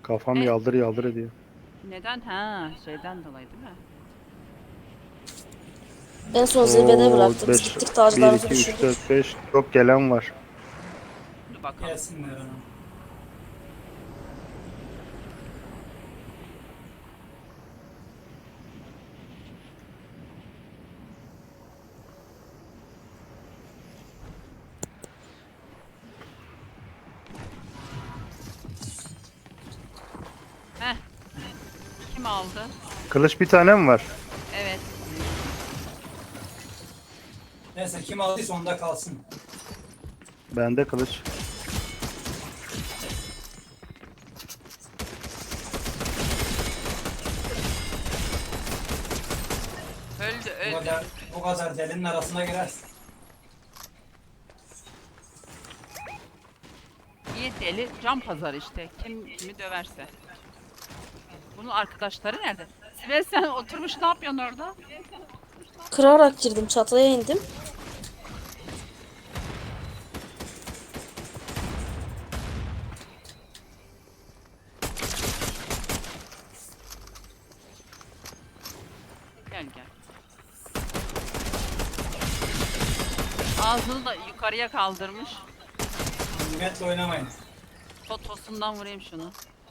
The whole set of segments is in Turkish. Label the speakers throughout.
Speaker 1: Kafam
Speaker 2: E,
Speaker 1: yaldır yaldır ediyor.
Speaker 2: neden? Ha, şeyden dolayı değil mi?
Speaker 3: En son zirvede
Speaker 1: Oo
Speaker 3: bıraktı. Biz
Speaker 1: 5
Speaker 3: gittik
Speaker 1: 1
Speaker 3: taclarımızı
Speaker 1: 2 3
Speaker 3: düşürdük.
Speaker 1: 4 5 çok gelen var.
Speaker 2: Dur bakalım.
Speaker 4: Gelsinler hanım.
Speaker 2: Heh, kim aldı?
Speaker 1: Kılıç bir tane mi var?
Speaker 2: Evet.
Speaker 4: Neyse kim aldıysa onda kalsın.
Speaker 1: Bende kılıç.
Speaker 2: Öldü,
Speaker 4: Bu
Speaker 2: öldü.
Speaker 4: kadar, bu kadar delinin arasına girersin.
Speaker 2: İyi deli, can pazarı işte. Kim kimi döverse. Bunun arkadaşları nerede? Sibel sen oturmuş ne yapıyorsun orada?
Speaker 3: Kırarak girdim, çatıya indim.
Speaker 2: Gel gel. Ağzını da yukarıya kaldırmış.
Speaker 4: Nimetle oynamayın.
Speaker 2: Totosundan vurayım şunu.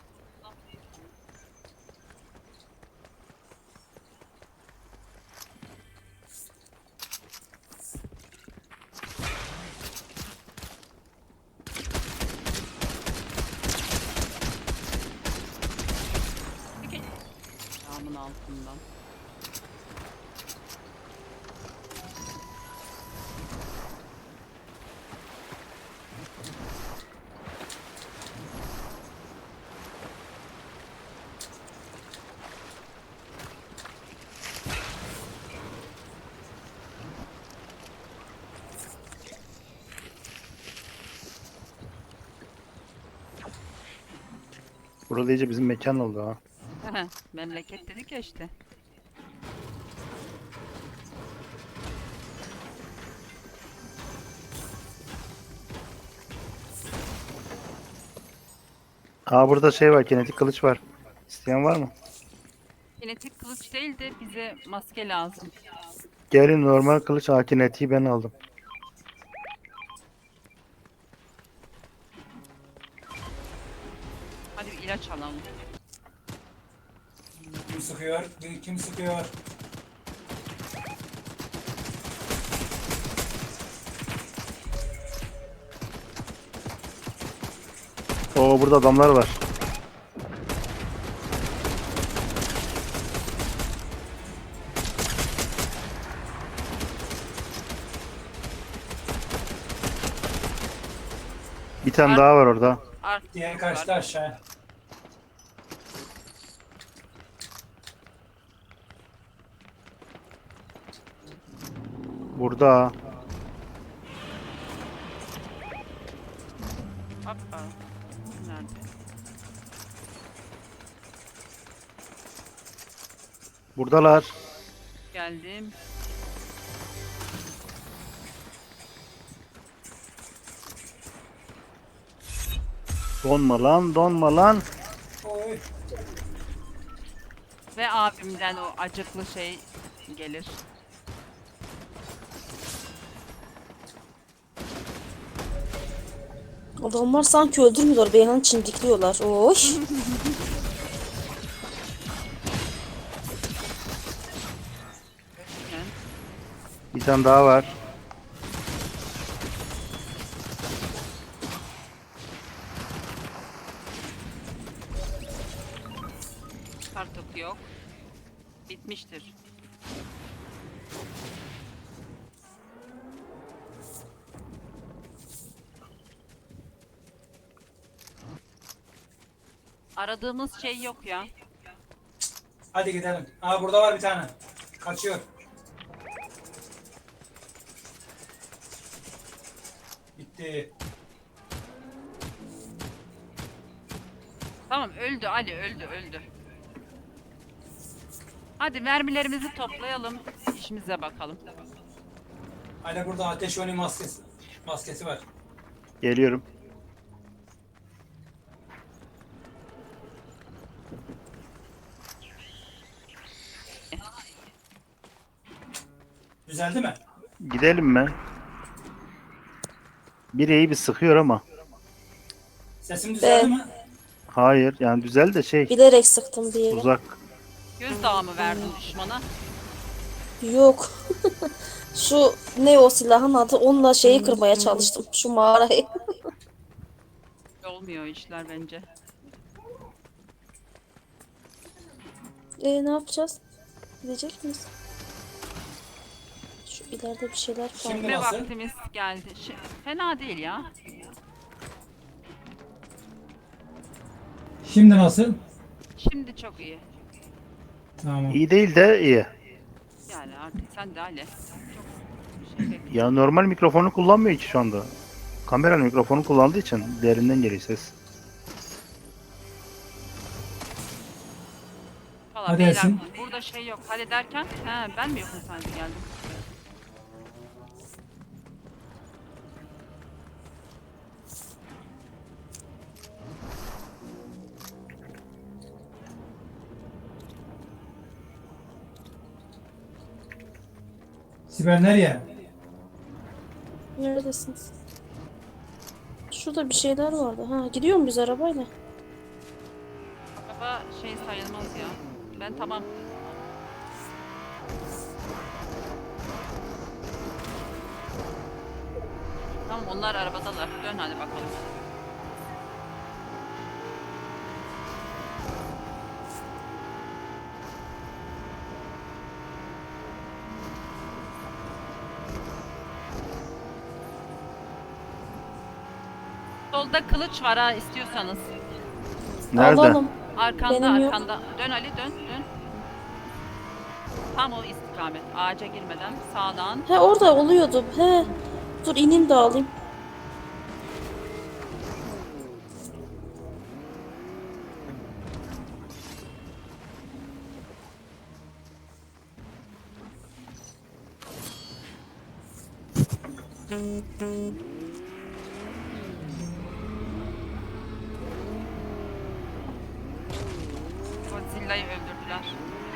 Speaker 2: Peki. Camın altından.
Speaker 1: Burada iyice bizim mekan oldu ha.
Speaker 2: Memleket dedik ya işte.
Speaker 1: Aa burada şey var, kinetik kılıç var. İsteyen var mı?
Speaker 2: Kinetik kılıç değil de bize maske lazım.
Speaker 1: Gelin normal kılıç, kinetiği ben aldım.
Speaker 2: Hadi bir ilaç alalım.
Speaker 4: Kim sıkıyor? Kim sıkıyor?
Speaker 1: Oo burada adamlar var. Bir tane daha var orada.
Speaker 4: Diğer
Speaker 2: Arkamız
Speaker 4: kaçtı
Speaker 2: var.
Speaker 4: aşağı.
Speaker 1: Burada.
Speaker 2: Hoppa. Nerede?
Speaker 1: Buradalar.
Speaker 2: Geldim.
Speaker 1: Donma lan, donma lan.
Speaker 4: Oy.
Speaker 2: Ve abimden o acıklı şey gelir.
Speaker 3: Adamlar sanki öldürmüyorlar. Beyhan'ı çimdikliyorlar. Oy.
Speaker 2: Yani
Speaker 1: Bir tane daha var.
Speaker 2: kartok yok. Bitmiştir. Aradığımız şey yok ya.
Speaker 4: Hadi gidelim. Aa burada var bir tane. Kaçıyor. Bitti.
Speaker 2: Tamam öldü Ali öldü. Hadi mermilerimizi toplayalım. İşimize bakalım.
Speaker 4: Hala burada ateş önü maskesi var.
Speaker 1: Geliyorum.
Speaker 4: Düzeldi mi?
Speaker 1: Gidelim mi? Bir iyi bir sıkıyor ama.
Speaker 4: Sesim düzeldi mi?
Speaker 1: Hayır yani güzel de şey
Speaker 3: Bilerek sıktım bir yere.
Speaker 1: uzak.
Speaker 2: Gözdağı mı verdin düşmana?
Speaker 3: Yok. Şu ne o silahın adı? Onunla şeyi kırmaya çalıştım. Şu mağarayı.
Speaker 2: Olmuyor işler bence.
Speaker 3: Ne yapacağız? Gidecek miyiz? Şu ileride bir şeyler var.
Speaker 4: Şimdi
Speaker 2: Ve
Speaker 4: nasıl?
Speaker 2: vaktimiz geldi. Fena değil ya.
Speaker 4: Şimdi nasıl?
Speaker 2: Şimdi çok iyi.
Speaker 4: Tamam.
Speaker 1: İyi değil de iyi.
Speaker 2: Yani artık sen de Ali. Çok şey bekle.
Speaker 1: Ya normal mikrofonu kullanmıyor ki şu anda. Kameranın mikrofonu kullandığı için derinden geliyor ses.
Speaker 2: Valla
Speaker 4: Hadi
Speaker 2: beyler
Speaker 4: Ersin.
Speaker 2: burada şey yok. Hadi derken ben mi yokum sanki geldim.
Speaker 4: Sibel nereye?
Speaker 3: Neredesiniz? Şurada bir şeyler vardı. Ha, gidiyor muyuz arabayla?
Speaker 2: Araba şey sayılmaz ya. Ben tamam. Tamam onlar arabadalar. Dön hadi bakalım. Solda kılıç var ha istiyorsanız.
Speaker 1: Nerede?
Speaker 3: Alalım.
Speaker 2: Arkanda
Speaker 3: Benim yok.
Speaker 2: arkanda. Dön Ali dön dön. Tam o istikamet. Ağaca girmeden sağdan.
Speaker 3: He orada oluyordu. He. Dur ineyim de alayım.
Speaker 2: Godzilla'yı öldürdüler.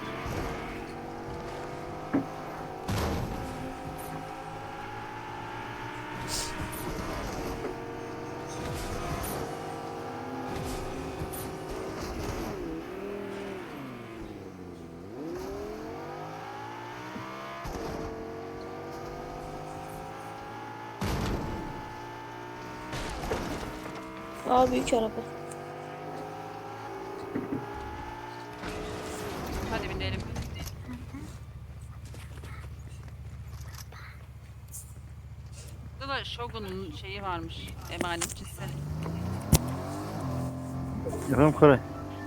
Speaker 3: Aa büyük araba.
Speaker 2: Hadi binelim. Burada da Shogun'un şeyi varmış. Emanetçisi.
Speaker 1: Efendim Koray.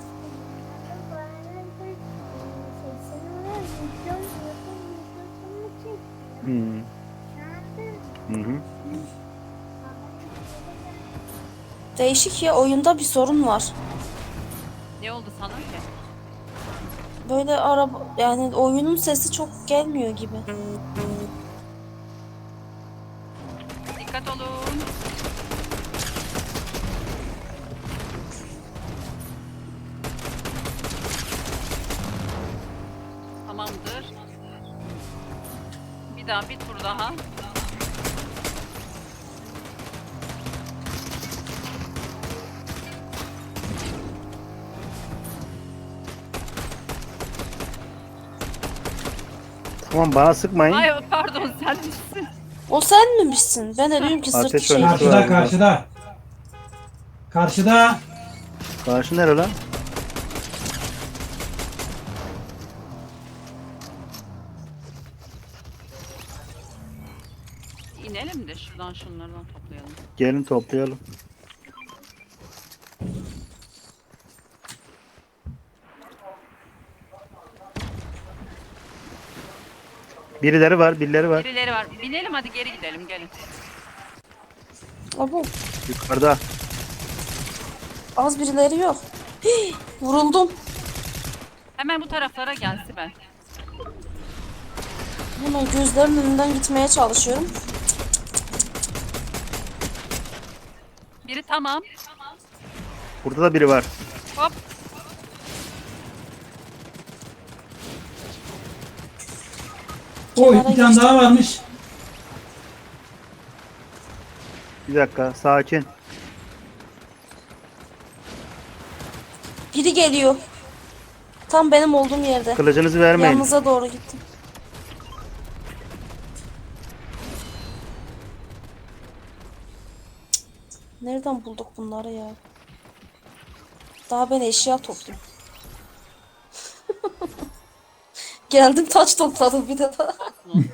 Speaker 1: Hmm. Hı hı.
Speaker 3: Değişik ya, oyunda bir sorun var.
Speaker 2: Ne oldu sana ki?
Speaker 3: Böyle araba yani oyunun sesi çok gelmiyor gibi.
Speaker 2: Dikkat olun. Tamamdır. Bir tur daha.
Speaker 1: Tamam bana sıkmayın.
Speaker 2: Ay pardon sen misin?
Speaker 3: O sen misin? Ben de diyorum ki sırtı
Speaker 1: Ateş
Speaker 3: şey.
Speaker 1: var.
Speaker 4: Karşıda karşıda. Karşıda.
Speaker 1: Karşı nere lan?
Speaker 2: İnelim de şuradan şunlardan toplayalım.
Speaker 1: Gelin toplayalım. Birileri var, birileri var.
Speaker 2: Birileri var. Binelim hadi geri gidelim gelin.
Speaker 3: Abo,
Speaker 1: Yukarıda.
Speaker 3: az birileri yok. Hii, vuruldum.
Speaker 2: Hemen bu taraflara gel Sibel.
Speaker 3: Hemen gözlerimin önünden gitmeye çalışıyorum.
Speaker 2: Biri tamam.
Speaker 1: Burada da biri var.
Speaker 2: Hop.
Speaker 4: Oy
Speaker 3: Kenara
Speaker 4: bir tane
Speaker 3: geçtim.
Speaker 4: daha varmış.
Speaker 1: Bir dakika sakin.
Speaker 3: Biri geliyor. Tam benim olduğum yerde.
Speaker 1: Kılıcınızı vermeyin.
Speaker 3: Yanınıza doğru gittim. Nereden bulduk bunları ya? Daha ben eşya topluyorum. Geldim taç topladım bir de daha.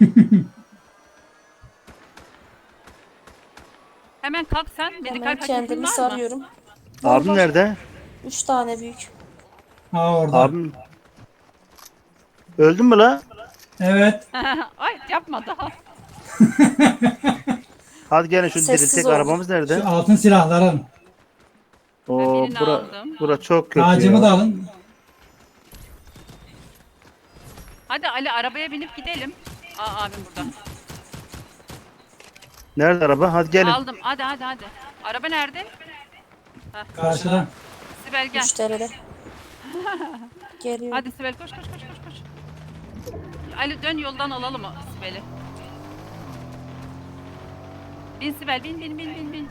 Speaker 2: Hemen kalk sen. Medikal
Speaker 3: Hemen
Speaker 2: paketin
Speaker 3: kendimi
Speaker 2: var mı?
Speaker 3: sarıyorum. Var,
Speaker 1: Abim
Speaker 3: var.
Speaker 1: nerede?
Speaker 3: 3 tane büyük.
Speaker 4: Ha orada.
Speaker 1: Abim. Öldün mü la?
Speaker 4: Evet.
Speaker 2: Ay yapma daha.
Speaker 1: Hadi gelin şunu
Speaker 3: Sessiz
Speaker 1: diriltek.
Speaker 3: olun.
Speaker 1: Arabamız nerede?
Speaker 4: Şu altın silahların.
Speaker 1: Oo
Speaker 2: birini
Speaker 1: bura,
Speaker 2: aldım.
Speaker 1: bura çok kötü
Speaker 4: Tacımı
Speaker 1: ya.
Speaker 4: da alın.
Speaker 2: Hadi Ali arabaya binip gidelim. Aa abim burada.
Speaker 1: Nerede araba? Hadi gelin.
Speaker 2: Aldım. Hadi hadi hadi. Araba nerede?
Speaker 4: Karşıdan.
Speaker 2: Sibel gel.
Speaker 3: Müşteride. Geliyor.
Speaker 2: Hadi Sibel koş koş koş koş koş. Ali dön yoldan alalım o Sibel'i. Bin Sibel bin.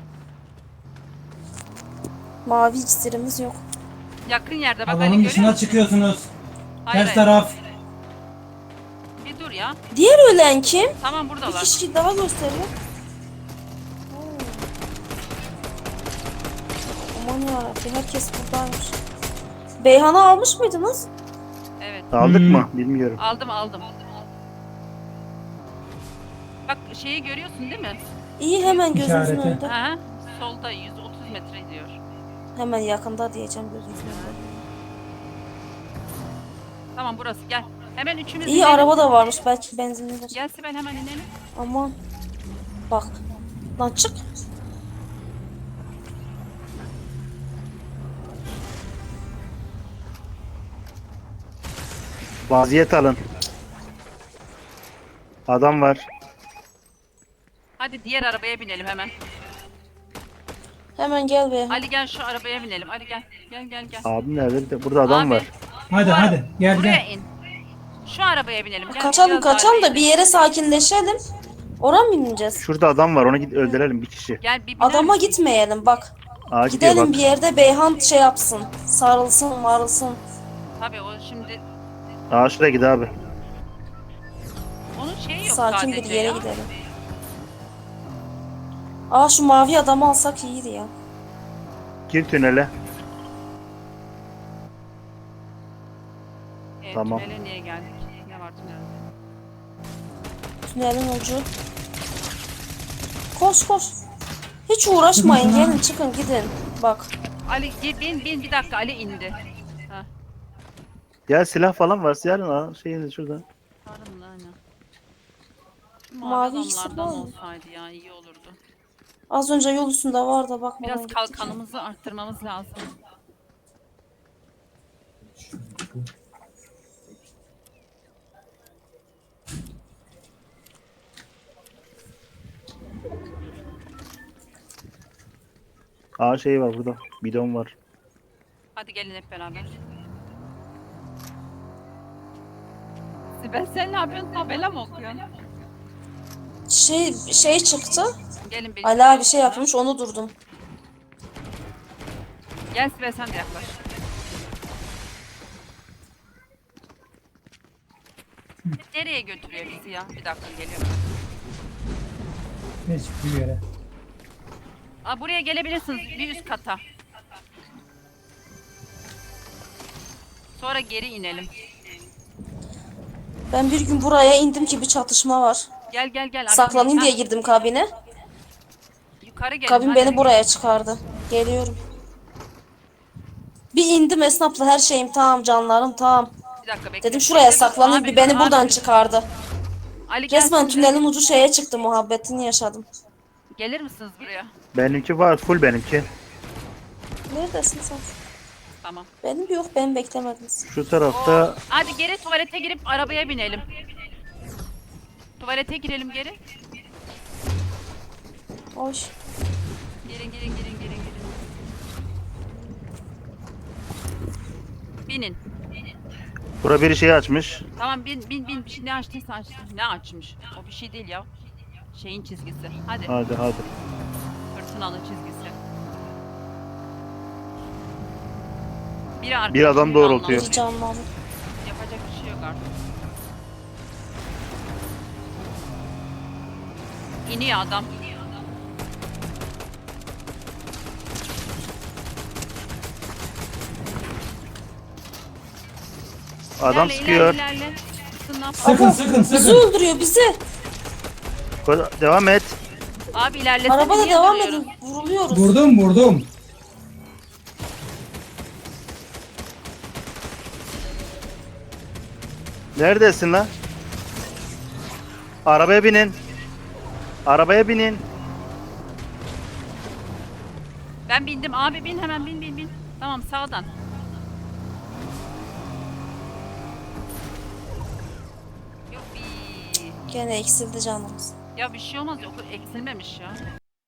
Speaker 3: Mavi iksirimiz yok.
Speaker 2: Yakın yerde bak Ali
Speaker 4: Alanın
Speaker 2: görüyor
Speaker 4: dışına
Speaker 2: musun?
Speaker 4: çıkıyorsunuz.
Speaker 2: Hayır,
Speaker 4: Ters
Speaker 2: hayır.
Speaker 4: taraf.
Speaker 2: Bir dur ya.
Speaker 3: Diğer ölen kim?
Speaker 2: Tamam
Speaker 3: Bir
Speaker 2: buradalar.
Speaker 3: kişi daha gösteriyor. Aman yarabbim herkes buradaymış. Beyhan'ı almış mıydınız?
Speaker 2: Evet.
Speaker 1: Aldık
Speaker 4: Hmm.
Speaker 1: mı? Bilmiyorum.
Speaker 2: Aldım. Bak şeyi görüyorsun değil mi?
Speaker 3: İyi hemen gözünüzün
Speaker 4: İşareti.
Speaker 3: önünde.
Speaker 2: Aha. Solda 130 metre diyor.
Speaker 3: Hemen yakında diyeceğim gözünüzün önünde.
Speaker 2: Tamam burası gel. Hemen üçümüz
Speaker 3: İyi
Speaker 2: inelim.
Speaker 3: araba da varmış belki benzinlidir.
Speaker 2: Gel Sibel hemen inelim.
Speaker 3: Aman. Bak. Lan çık.
Speaker 1: Vaziyet alın. Adam var.
Speaker 2: Hadi diğer arabaya binelim hemen.
Speaker 3: Hemen gel Beyhan.
Speaker 2: Ali gel şu arabaya binelim. Ali gel. Gel.
Speaker 1: Abim nerede? Bir de burada adam
Speaker 2: Abi,
Speaker 1: var.
Speaker 4: Hadi
Speaker 2: bu ara-
Speaker 4: hadi. Gel
Speaker 2: Buraya
Speaker 4: gel.
Speaker 2: in. Şu arabaya binelim. Gel,
Speaker 3: Kaçalım
Speaker 2: biraz daha
Speaker 3: kaçalım da
Speaker 2: ileri.
Speaker 3: bir yere sakinleşelim. Oraya mı ineceğiz?
Speaker 1: Şurada adam var. Onu git öldürelim bir kişi.
Speaker 2: Gel bir biner
Speaker 3: Adama
Speaker 2: misin?
Speaker 3: gitmeyelim bak.
Speaker 1: Aa gidiyor
Speaker 3: Gidelim
Speaker 1: bak.
Speaker 3: bir yerde Beyhan şey yapsın. Sarılsın marılsın.
Speaker 2: Tabii o şimdi
Speaker 1: Aa şuraya git abi.
Speaker 2: onun şeyi yok
Speaker 3: Sakin
Speaker 2: sadece
Speaker 3: bir yere
Speaker 2: ya.
Speaker 3: gidelim. Aa şu mavi adamı alsak iyiydi ya.
Speaker 1: Gir tünele.
Speaker 2: Evet,
Speaker 1: Tamam.
Speaker 2: tünele niye geldik? Ne var tünelde?
Speaker 3: Tünelin ucu. Koş. Hiç uğraşmayın
Speaker 4: Şuna.
Speaker 3: gelin çıkın gidin. Bak.
Speaker 2: Ali bin bir dakika Ali indi. Ha.
Speaker 1: Ya silah falan varsa yarın al. Şeyin şurada.
Speaker 2: Pardon lan ya. Şu
Speaker 3: Mavi
Speaker 2: Mavi
Speaker 3: iksir
Speaker 2: adamlardan
Speaker 3: var mı?
Speaker 2: olsaydı ya iyi olurdu.
Speaker 3: Az önce yol üstünde var da bakmadan
Speaker 2: Biraz
Speaker 3: gittik.
Speaker 2: kalkanımızı arttırmamız lazım.
Speaker 1: Aa şey var burada. Bidon var.
Speaker 2: Hadi gelin hep beraber. Sibel sen ne yapıyorsun? Tabela mı okuyorsun?
Speaker 3: Şey çıktı.
Speaker 2: Gelin benim.
Speaker 3: Ali abi şey yapmış onu durdum.
Speaker 2: Gel Sibel sen de yaklaş. Nereye götürüyor bizi ya? Bir dakika geliyorum.
Speaker 4: Hiçbir yere.
Speaker 2: Aa, buraya gelebilirsiniz bir üst kata. Sonra geri inelim.
Speaker 3: Ben bir gün buraya indim ki bir çatışma var.
Speaker 2: Gel.
Speaker 3: Saklanayım
Speaker 2: Ha,
Speaker 3: diye girdim kabine.
Speaker 2: yukarı gelin.
Speaker 3: Kabin
Speaker 2: hadi.
Speaker 3: beni buraya çıkardı. Geliyorum. Bir indim esnafla her şeyim tamam canlarım tamam.
Speaker 2: Bir dakika bekle.
Speaker 3: Dedim şuraya saklanayım
Speaker 2: Abi,
Speaker 3: bir beni
Speaker 2: abi.
Speaker 3: buradan çıkardı.
Speaker 2: Ali gel
Speaker 3: Resmen
Speaker 2: şimdi.
Speaker 3: tünelin ucu şeye çıktı muhabbetini yaşadım.
Speaker 2: Gelir misiniz buraya?
Speaker 1: Benimki var. Full benimki.
Speaker 3: Neredesin sen?
Speaker 2: Tamam.
Speaker 3: Benim yok beni beklemediniz.
Speaker 1: Şu tarafta
Speaker 2: Hadi geri tuvalete girip arabaya binelim. Tuvalete girelim geri.
Speaker 3: Hoş.
Speaker 2: Girin. Binin.
Speaker 1: Bura biri şey açmış.
Speaker 2: Tamam bin bir şey ne açtıysa açtı. Ne açmış? O bir şey değil ya. Şeyin çizgisi. Hadi.
Speaker 1: Hadi hadi.
Speaker 2: Fırtınalı çizgisi. Biri arkadaşını
Speaker 1: Bir adam doğrultuyor.
Speaker 3: Biri canlandı.
Speaker 2: Yapacak bir şey yok artık. İniyor adam.
Speaker 1: Adam
Speaker 2: İlerle,
Speaker 1: sıkıyor.
Speaker 2: ilerle. Sıkın lan.
Speaker 4: Sıkın sıkın
Speaker 3: Bizi
Speaker 4: sıkın.
Speaker 3: öldürüyor bizi.
Speaker 1: Devam et.
Speaker 2: Abi ilerlesene.
Speaker 3: Arabada
Speaker 2: niye
Speaker 3: devam
Speaker 2: duruyorsun?
Speaker 3: edin. Vuruluyoruz.
Speaker 4: Vurdum.
Speaker 1: Neredesin lan? Arabaya binin. Arabaya binin.
Speaker 2: Ben bindim. Abi bin hemen bin. Tamam sağdan. Yuppi.
Speaker 3: Gene eksildi canımız.
Speaker 2: Ya bir şey olmaz. Yok eksilmemiş ya.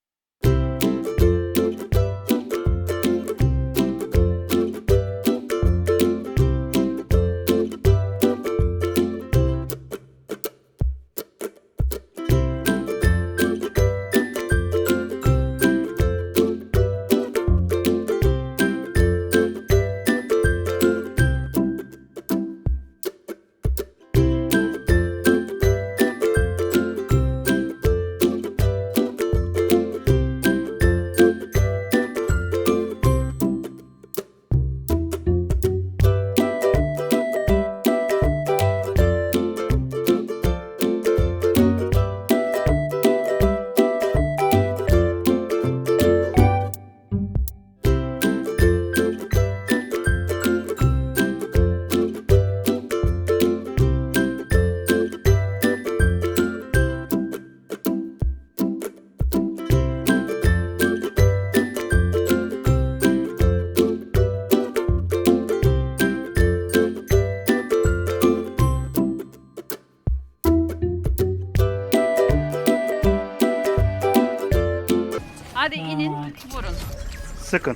Speaker 2: Hadi inin vurun.
Speaker 1: Sıkın.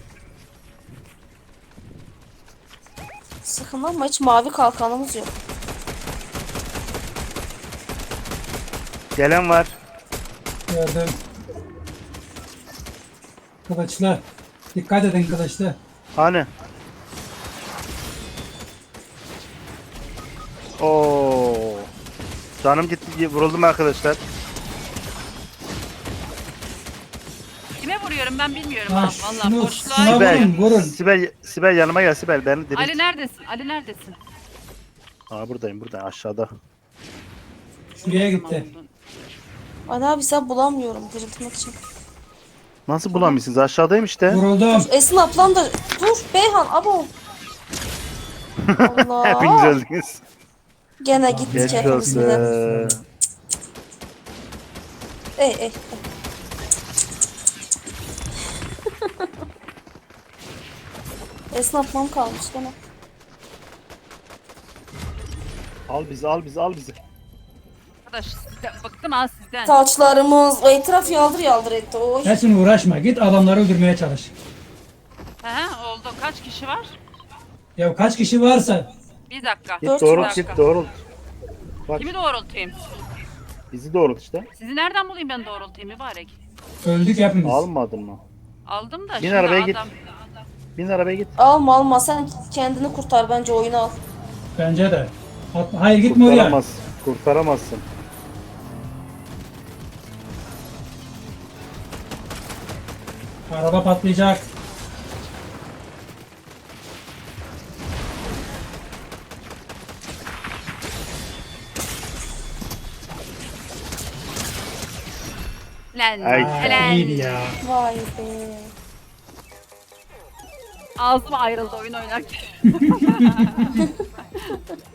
Speaker 3: Sıkın ama hiç mavi kalkanımız yok.
Speaker 1: Gelen var.
Speaker 4: Gördüm. Kılıçlı. Dikkat edin kılıçlı.
Speaker 1: Hani? Oo. Canım gitti. Vuruldum arkadaşlar.
Speaker 2: Kime vuruyorum ben bilmiyorum
Speaker 4: Ha,
Speaker 2: ha. Vallahi
Speaker 4: şunu-
Speaker 2: boşluğa.
Speaker 4: şuna
Speaker 1: Sibel.
Speaker 4: vurun.
Speaker 1: Sibel yanıma gel Sibel. Beni dirilt.
Speaker 2: Ali neredesin? Ali neredesin?
Speaker 1: Aa buradayım aşağıda.
Speaker 4: Şuraya gitti.
Speaker 3: Ali abi sen bulamıyorum diriltmek için.
Speaker 1: Nasıl bulamıyorsunuz? Aşağıdayım işte.
Speaker 4: Vuruldum.
Speaker 3: Esin ablam da dur Beyhan abo.
Speaker 1: Hepiniz
Speaker 3: Allah.
Speaker 1: öldünüz.
Speaker 3: Gene gittik
Speaker 1: Geçmiş
Speaker 3: hepimiz bile.
Speaker 1: olsun.
Speaker 3: Ey. Esin ablam kalmış gene.
Speaker 1: Al bizi al bizi al bizi.
Speaker 2: Arkadaş bıktım ha sizden.
Speaker 3: Taçlarımız o etraf yaldır etti. Oy.
Speaker 4: Esin uğraşma. Git adamları öldürmeye çalış.
Speaker 2: He oldu. Kaç kişi var?
Speaker 4: Ya kaç kişi varsa.
Speaker 2: Bir dakika.
Speaker 1: Git
Speaker 3: Dört
Speaker 1: doğrult
Speaker 3: dakika.
Speaker 1: git doğrult. Bak
Speaker 2: Kimi doğrultayım?
Speaker 1: bizi doğrult işte.
Speaker 2: Sizi nereden bulayım ben doğrultayım mübarek?
Speaker 4: Öldük hepimiz.
Speaker 1: Almadın mı?
Speaker 2: Aldım da
Speaker 1: Bin
Speaker 2: şimdi
Speaker 1: arabaya git.
Speaker 2: adam.
Speaker 1: Bin arabaya git.
Speaker 3: Alma sen kendini kurtar bence oyunu al.
Speaker 4: Bence de. Hayır gitme oraya.
Speaker 1: Kurtaramazsın.
Speaker 4: Araba patlayacak.
Speaker 2: Lan
Speaker 1: Ay.
Speaker 2: lan.
Speaker 4: İyiydi ya.
Speaker 3: Vay be.
Speaker 2: Ağzım ayrıldı oyun oynarken.